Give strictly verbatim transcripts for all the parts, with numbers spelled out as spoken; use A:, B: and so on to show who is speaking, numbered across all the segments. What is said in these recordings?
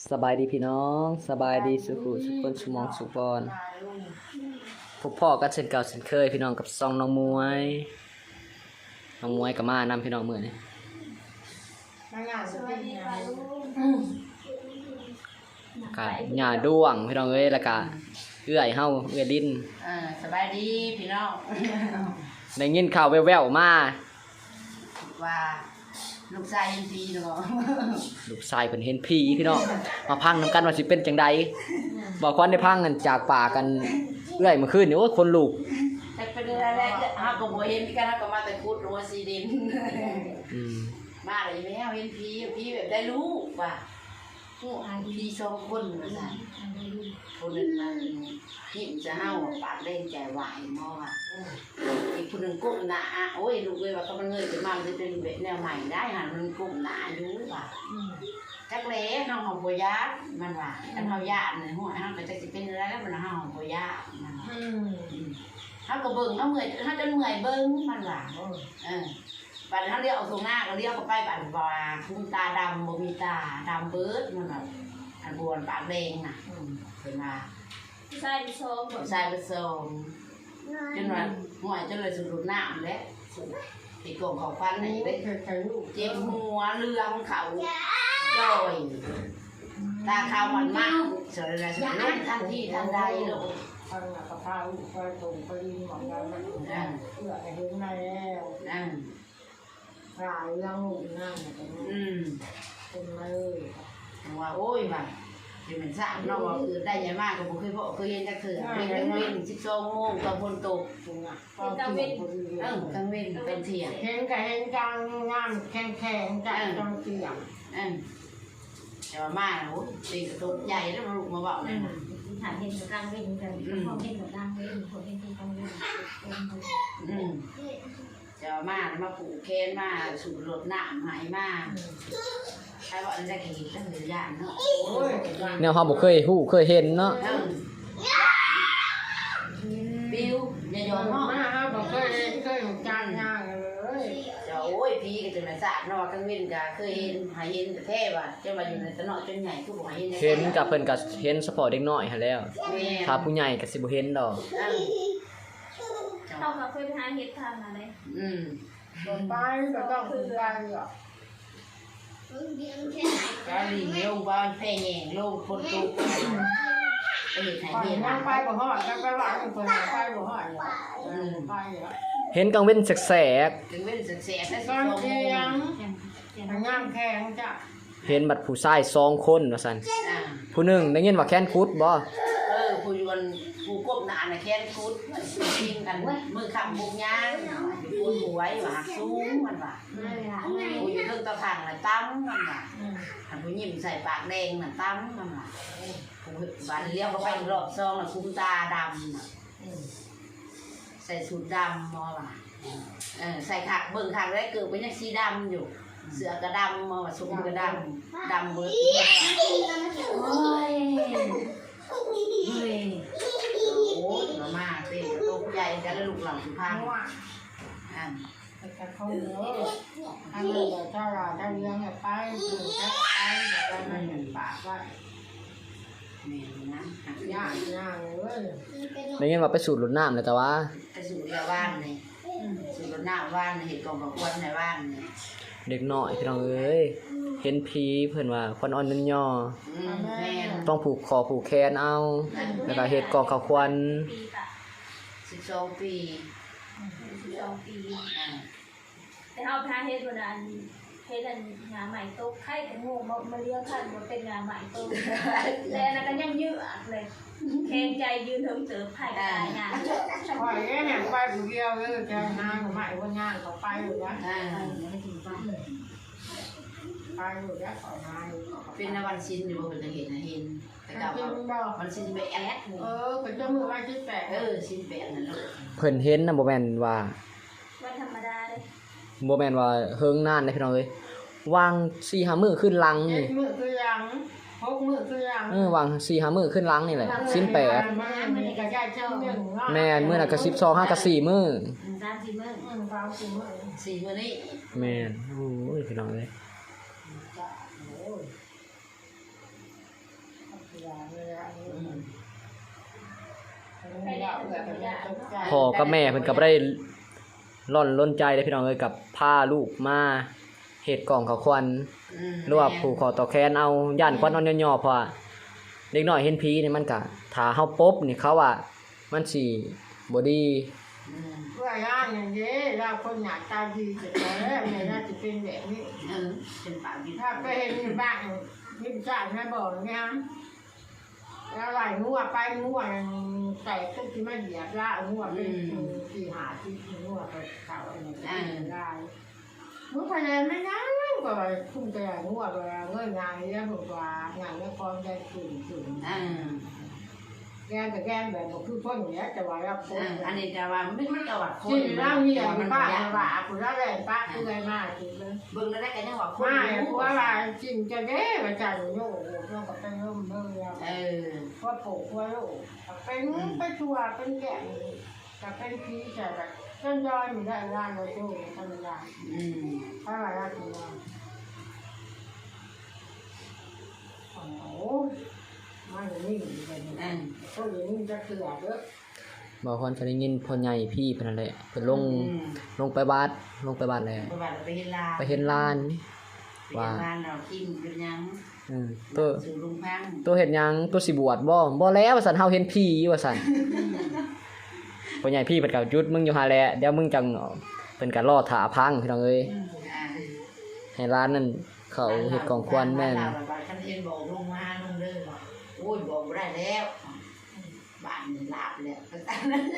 A: สบายดีพี่น้องสบายดีสุขุสุขคนสมองสุบอนพบพ่อกันเช่นเก่าเช่นเคยพี่น้องกับซองน้องมวยน้องมวยกับมานำพี่น้องมือนี่กะหญ้าด้วงพี่น้องเอ้ยแล้วก็เอื้อยเฮาเอื้อยลิ้น
B: อ่าสบายดีพี่น้อง
A: ได้ยินข่าวแว่วๆมา
B: ว่าลูกชายยังดีเนาะ
A: ลูกชายเพิ่นเห็นผีพี่น้องมาพังนำกันว่าสิเป็นจังใดบ่ควันได้พังกันจากป่ากันเอื้อยเมื่อคืนนี่โอ้ยคนลุก
B: แต่เป็นอะไรก็เฮาก็บ่เห็นกันเฮาก็มาแต่ขุดรัวซีดิน
A: อืม
B: มาเลยแม่เห็นผีผีแบบได้ลูกว่ะผู้หาผีสองคนว่าซั่นคนนึงมันหิ้มจะเฮาปากเล่นใจไหวหม้อว่ะอีกคนนึงก้มหน้าโอ้ยลูกเอ้ยว่าเขามันเงยขึ้นมามันจะเป็นแบบแนวใหม่ได้หั่นมันก้มหน้าอยู่ว่ะจักแลน้องของบ่ยากมันว่าอันเฮาญาตินี่ฮู้เฮาก็จักสิเป็นอะไรแล้วมันเฮาของบ่ยากมันอืมเฮาก็เบิ่งเฮาเมื่อยเฮาจนเมื่อยเบิ่งมันว่าเออบัดเฮาเลี้ยวเอาตรงหน้าก็เลี้ยวเข้าไปบัดว่าคุ้มตาดำบ่มีตาดำเบิดมันว่าอันบวนปากแดงน่ะอืมเพิ่นว่า
C: ใช่พี่ชม
B: ใส่ผสมจนว่าห่วยจนเลยสุดน้ำแล้วไอ้กองของฟันนี่เด้เจ็บหัวเรืองเขาจ่อยตาขาวมันมากเสร็จแล้วสุดน้ำทันทีทันใดลูก
D: ทางกระเพราไปตรงไปดินหมอนกันมันเพื่อให้เห็นมาแล้ว
B: นั่น
D: หลายเรื่องนั่นเป็น
B: อืม
D: เป็นเลย
B: ว่าโอ้ยว่าที่มันสร้างเนาะว่าคือได้ยังมากก็บ่เคยพอเคยเห็นจักเถื่อเป็นกลางเว้นสิบสองโมงตอนฝนตก
D: ตรงอ่ะก็เที่ยวคนเดีย
B: เอ
D: ว
B: อกลางเว้นเป็นเที่ยง
D: เห็นกับเห็นจังงามแข็งแข็งจังจังเตียง
B: อืมแต่ว่ามาโอ้ยตีกระตุกใหญ่แล้วมาลูกมาบอกเลยนะ
C: หาเห็นกับกลางเว้นกันพอเห็นกับกลางเว้นพอเห็นกับกลางเว้น
B: อืมจะมามาผูกแขนมาสูบรถน้ำหายมาใครว่าอันจะเห็นตั้งหรือย่างเนาะ
D: โอ้ย
A: แนวเฮาบ่เคยฮู้เคยเห็นเนาะ
B: เออบิวอย่ายอม
D: มา
B: เนาะ
D: ฮะบอกเคยเคยจังงานเลย
B: จะโอ้ยพี่ก็จะมาสาดเนาะกังเว้นก็เคยเห็นหายเห็นแต่แท้ว่าจะมาอยู่ในตะเนาะจนใหญ่คือบ่หายเห็น
A: เห็นกับเพิ่นก็เห็นเฉพาะเด็กน้อยหั่นแล้ว
B: แม่
A: ถ้าผู้ใหญ่ก็สิบ่เห็นดอก
B: เออ
C: เข้ากับเคยไปหาเห็ดทางอะไร
B: อืม
D: ไปก็ต้องไปอ่ะ
B: ก็ลิงลงบ้านแพร่แยงลงคนตุกไปเห็นหาย
D: ไป
B: เห็น
D: นั่งไปบ่หอดกันไปว่าคนไปบ่หอดไปอ่ะ
A: เห็นกลางเว้นแสก
B: ถึงเว้นแสกๆแล้วสิ
D: ตอน
B: โม
D: เที่ย
B: ง
D: งงามแข็งจ้ะ
A: ๆเห็นบัดผู้ชายสองคนว่าซั่น
B: อ่า
A: ผู้หนึงได้ยินว่าแค้นคุดบ่
B: เออผู้ยวนผู้กบหนาน่ะแค้นคุดกินกันมือคำบุกย่างอยู่บนหวยว่าหักสูงมันว่าผู้อยู่เทิงตะถังน่ะตั้มมันว่าหันผู้ยิ้มใส่ปากแดงน่ะตั้มมันว่าผู้บานเลี้ยวก็ไปรอบซองน่ะคุ้มตาดำน่ะใส่สูทดำมอว่าเออใส่ขากเบิ่งขากได้เกิดเป็นยังสีดำอยู่เสือกระดำมอว่าสุกกระดำดำเบิดโอ้ย เฮ้ยโอ้ยมามาเต้นตัวใหญ่กันแล้วลูกหลังสุพรรณอ่า
D: แต่เขาเยอะอันนี้ถ้าเราถ้าเลี้ยงไปถึงจะไปจะได้ไม่เห็นปากว่า
B: แม่นะหัก
D: ยาย
B: าก
D: ยากเลย
A: ได้ยินว่าไปสูดรดน้ำแล้วแต่ว่า
B: ไปสู่เรือบ้านนี่สู่รถหน้าบ้านเห็ดกองกับควันในบ้านนี่
A: เด็กน้อยพี่น้องเอ้ยเห็นผีเพิ่นว่าควันอ่อนนันย่อ
B: อืมแม่
A: ต้องผูกคอผูกแขนเอาแล้วก็เฮ็ดกองข้าวควัน
C: ปีปะ
B: สิบสองปี
C: สิบสองปี
B: อ่า
C: แต่เอาพาเฮ็ดวันนั้นเฮ็ดอันงานใหม่โต๊ะไข่แต่งูมามาเลี้ยงขันมาเป็นงานใหม่โต๊ะแต่อันนั้นก็ยังยืดเลยแข็งใจยืนเถิงเติบไผ่ตายงาน
D: คอยแห่งไปผู้เดียวเลยจะงานของใหม่ว่างานเขาไปอยู่นะ
B: อ่า
D: ไปอยู่แล้วของาน
B: เป็นนวันชินอยู่บนจะเห็นนะเห็นแต่กล่าว
D: เป็น
B: ว่า
D: ดอก
B: วันชินไปแอด
D: เออเป็นเจ้ามือไว้ที่แปด
B: เออชินแปดนั่นลูก
A: เพิ่นเห็นน่ะบ่แม่นว่า
C: วันธรรมดาเลย
A: บ่แม่นว่าเฮิงนานเด้พี่น้องเอ้ยวาง สี่ห้า มื้อขึ้นหลัง
D: เจ็
A: นี่
D: ดมือคือยังหกมือคือยัง
A: เออวาง สี่ห้า มื้อขึ้นหลังนี่แหละสิ้นแปด
D: มันก็ได้เจ้าหนึ่ง
A: แม่นมื้อน่ะก็สิบสอง ห้าก็สี่มื้อ
C: สามสี่มื้อ
D: อืมสามสี่มือ
B: สี่วันนี้
A: แม่นโอ้ยพี่น้องเอ้ย
D: อย่าเลยอ่ะ
B: อืม
D: ไม่ได้แบบนี้ตกใจ
A: พ่อกับแม่เพิ่นก็บ่ได้ร่อนล้นใจเลยพี่น้องเอ้ยกับพาลูกมาเฮ็ดกล่องข้าวควัน
B: อืม
A: หรือว่าผูกคอต่อแขนเอาย่านควันอ่อนย่อๆเพราะว่าเด็กน้อยเห็นผีนี่มันก็ถ้าเฮาปบนี่เขาว่ามันสิบ่ดี
B: อืม
D: เพื่อย่างอย่างนี้เราคนหน้าตาดีจะแล้วไม่น่าจะเป็นแบบนี้
B: เออเป็นปากดี
D: ถ้าไปเห็นในบ้านนี่จ่ายนะบอกนะฮะแล้วไหลงัวไปงัวใส่ตุ้ที่มันเหยียบละงัวเป็นสี่หาที่งัวไปเก่าอะไรได้งัวภายในไม่นั่งก็ทุ่มใจงัวไปเงื่อนงานนี้บอกว่างานนี้พร้อมได้ตื่นตื่น
B: อ่า
D: แกแต่แกแบบบอกคือพ่นอย่างเงี้ยจะว่ารับคน
B: อ่าอันนี้จะว่ามันมันก็ว่าคน
D: ที่ร่างนี่อย่าง
B: มัน
D: ป้า
B: บ่ยาก
D: ว่าคุณร่างแรงป้าคือไงมากจริงเลย
B: เบิ่งแล้วได้ก็ยังว่าคน
D: ไม่
B: อยู่
D: เพราะว่าจริงจะเด้มาจากโย่เราก็ไปร่มเมื่อ
B: เออ
D: ว่าปลูกว่าลูกเป็นไปชัวเป็นแก่แต่เป็นพีแต่แบบต้นยอยมีได้ร้านเราดูธรรมดา
B: อืม
D: ถ้าอะไรก็ได้โอ้โหมาอย่างนี้เลย
B: อืม
D: ก็อย่างนี้จะเกลือเยอะ
A: บ่ฮอนก็ได้ยินพ่อใหญ่พี่เพิ่นนั่นแหละเพิ่นลงลงไปบาดลงไปบาดแล้ว
B: ไปบ้านไปเฮ็ดลา
A: ไปเห็นลาน
B: ไปเฮ็ดลานเรากินเป็นหยัง
A: อืมตัว
B: สู่ลุงพัง
A: ตัวเฮ็ดหยังตัวสิบวชบ่บ่แล้วว่าซั่นเฮาเห็นผีว่าซั่นพ่อใหญ่พี่เพิ่นก็หยุดมึงอยู่หาแหละเดี๋ยวมึงจังเพิ่นก็รอท่าพังพี่น้องเอ้ย
B: อ่า
A: ให้ร้านนั้นเขาเฮ็ดกองควันแม่น
B: บ้าเราบ้านคันเห็นบอกลุงมาลุงเด้อบอกโอ้ยบอกบ่ได้แล้วบ้านนี่ลาบแล้วก็ตามนั้น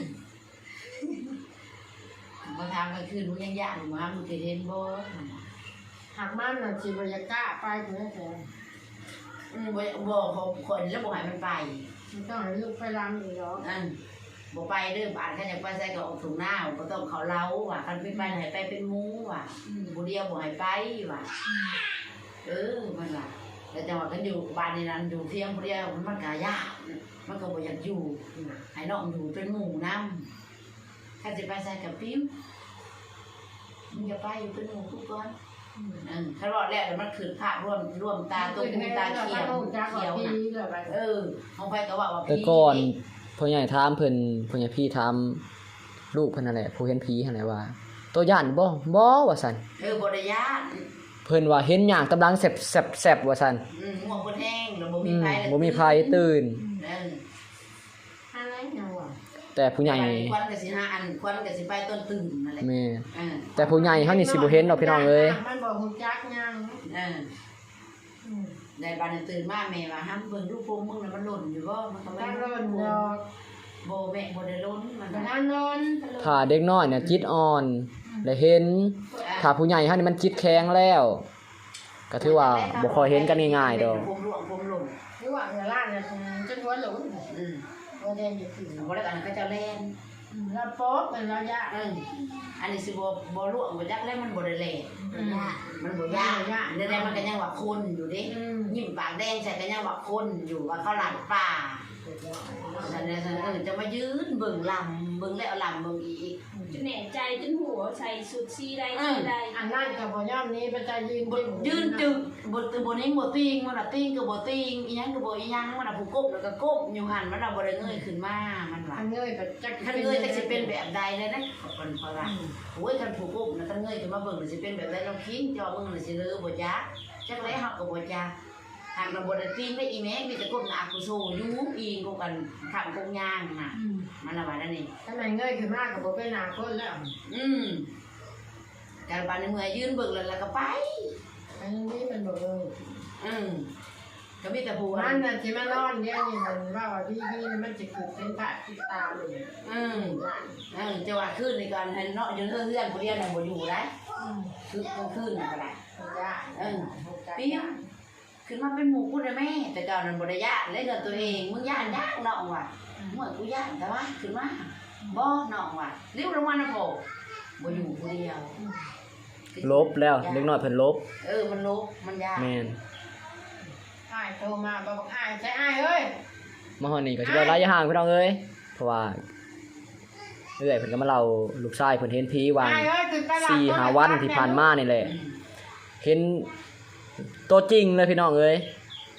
B: มาทำกลางคืนมึงยังย่านมามึงเคยเห็นบ่
D: หากมันน่ะจีบยากล้าไปเถอะแต่
B: อืมบ่บ่เขาคนแล้วบ่ให้มันไป
D: ไม่ต้องให้ลูกไปรำอีกหรอก
B: นั่นบ่ไปเด้อบ้านคันอยากไปใส่ก็ออกถุงหน้าบ่ต้องเขาเล้าว่ะคันไปไปให้ไปเป็นหมู่ว่ะผู้เดียวบ่ให้ไปว่ะเออมันล่ะแต่จังหวะกันอยู่บ้านนี่นั้นอยู่เที่ยงผู้เดียวมันก็ยากมันก็บ่อยากอยู่ให้น้องอยู่เป็นหมู่นำคันสิไปใส่กับปิ้วมึงอย่าไปอยู่เป็นหมู่ทุกคนอืมถ้ารอดแล้วเดี๋ยวมันขึ้นภาพร่วมร่วมตาตัวหูตาเขียว
D: จ้าขอ
B: เขียว
D: พี
B: น่ะ
D: เลยไป
B: เออของไปก็ว่าว่า
A: แต่ก่อนพ่อใหญ่ถามเพิ่นพ่อใหญ่พี่ถามลูกเพิ่นนั่นแหละผู้เห็นผีหั่นแหละว่าตัวย่านบ่บ่ว่าซั่น
B: เออบ่ได้ยาน
A: เพิ่นว่าเห็นหยังตำลังแซ่บๆๆว่าซั่น
B: อืมง่วงบ่แห้งแล้วบ่
A: อื
B: มี
A: ม
B: ไผ
A: บ่มีไผตื่น
B: เออ
D: อะไรอย่างวะ
A: แต่ผู้ใหญ่
B: ควันก็สิหาอันควันก็สิไปต้นตื่นนั่นแหละ
A: แม่
B: เออ
A: แต่ผู้ใหญ่เฮานี่สิบ่เห็นดอกพี่น้องเอ้ย
D: มันบอกหุ่นจักยัง
B: เออได้บัดนั้นตื่นมาแม่ว่าห้ามเบิ่งลูกโป่งมึงน่ะมันหล่นอยู่บ่มันก็ไม่
D: ถ้า
B: รู้
D: ร้อนดอก
B: บ่แม่บ่ได้หล่นมัน
D: แต่
B: ก็
D: ถ้านอน
A: ถ้าเด็กน้อยเนี่ยจิตอ่อนได้เห็นถ้าผู้ใหญ่เฮานี่มันจิตแข็งแล้ว ก็ถือว่าบ่ค่อยเห็นกันง่ายๆดอก
B: ผมร่วงผมหล่น
D: หรือว่าเวลาเนี่ยจนหัวหลง
B: อืม
D: ว่าแดงอยู่ถึง
B: บ่ได้กันก็จะแล่น
D: แล้วโป๊ะเป็นระยะ
B: เอออันนี้สิบ่บ่ร่วงบ่จักแล้วมันบ่ได้แล่นมันบ่ยากเดี๋ยวๆมันก็ยังว่าคนอยู่เด้
D: อืม
B: ยิ้มปากแดงใส่ก็ยังว่าคนอยู่ว่าเขาหลังป่าฉันเนี่ยฉันเออจะมายืนเบิ่งลำเบิ่งแล้วลำเบิ่งอีก
C: จนแหน่ใจจนหัวใส่สุดซีได้ซีได้
D: อันนั้นกับพอย่อมนี้เป็นใจยืน
B: บดยืนจึงบดบดนี้บดติงมันน่ะติงก็บ่ติงอีหยังก็บ่อีหยังมันน่ะผู้ก้มแล้วก็ก้มอยู่หั่นมันน่ะบ่ได้เงยขึ้นมามันว่า
D: อันเงยแบบจัก
B: คันเงยจักสิเป็นแบบใดเลยนะคนเพราะว่าโอ้ยคันผู้ก้มน่ะคันเงยขึ้นมาเบิ่งน่ะสิเป็นแบบใดลองคิดจอมึงน่ะสิเลอบ่จักจักไดเฮาก็บ่จักหากเราบ่ได้ติงได้อีแม่มีแต่ก้มหน้ากูโซอยู่อีงกูกันข้างกงยางน่ะมันละว่านั่นนี่
D: ทำไมเงยขึ้นมากกับโบเป็นนาคนแล้ว
B: อืมการบานในเมื่อยืนเบิ่งแล้วแล้วก็ไป
D: อันนี้มันบอกเลย
B: อืมก็มีแต่ผู้
D: มั
B: นั้น น
D: น่ะที่มันนอนเนี่ยนี่มันว่าว่าที่นี่มันจะเกิดเป็นพระที่ตาเลย
B: อืมเออจะว่าขึ้นในการให้เนาะยืนเฮือนผู้เดียวน่ะบ่อยู่ได้คือก็ขึ้นก็ได้
D: ยา
B: เออเปี้ยขึ้นมาเป็นหมู่กูได้แม่แต่ก่อนนั้นบ่ได้ย่านเลยเงินตัวเองมึงย่านยากน้องว่ะเมื่อกูย่านแต่ว่าขึ้นมาบ่น้องว่ะเรียกลงมานะโผบ่อยู่ผู้เดียว
A: ลบแล้วเด็กน้อยเพิ่นลบ
B: เออมันลบมันยาก
A: แม่น
D: อ้ายโทรมาบอกอ้ายใช่อ้ายเอ้ย
A: มาฮอดนี่ก็สิบ่ระยะห่างพี่น้องเอ้ยเพราะว่าเอื้อยเพิ่นก็มาเล่าลูกชายเพิ่นเห็นผีวาง
D: อ้ายเอ้ยขึ้นไปหลับ
A: สี่ห้าวันที่ผ่านมานี่แหละ เห็นตัวจริงเลยพี่น้องเอ้ย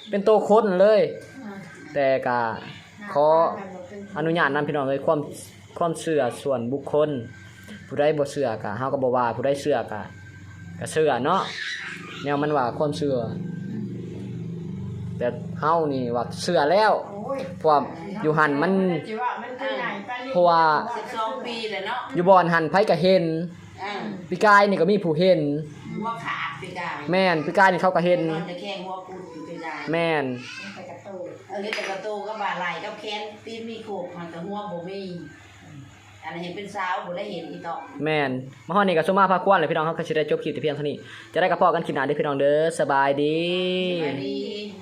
A: เป็นโตคนเลย แต่ก็ขออนุญาตนำพี่น้องเอ้ยความความเชื่อส่วนบุคคล ผู้ใดบ่เชื่อก็เฮาก็บ่ว่าผู้ใดเชื่อก็ก็เชื่อเนาะแนวมันว่าความเชื่อแต่เฮานี่ว่าเชื่อแล้วเพราะว่าอยู่หั่นมันเพราะว่า
B: สิบสองปีแล้วเนาะ
A: อยู่บ่อนหั่นไผก็เห็น
B: อ่า
A: ปีกายนี่ก็มีผู้เห็น
B: หัวขาดไปได้
A: แม่นปีกายนี่เขาก็เห็น
B: นอนจะแข้งหัวกูดไปได้
A: แม่น
B: เออแต่กระโตก็บ่าไหลกับแขนตีนมีโขกมันแต่หัวบ่มีอันนั้นเห็นเป็นสาวบ่ได้เห็นอีตอก
A: แม่นมาฮอดนี่ก็สุมาพาควรเลยพี่น้องเฮาก็สิได้จบคลิปแต่เพียงเท่านี้จะได้กับพ่อกันคลิปหน้าเด้อพี่น้องเด้อสบายดี
B: สวัสดี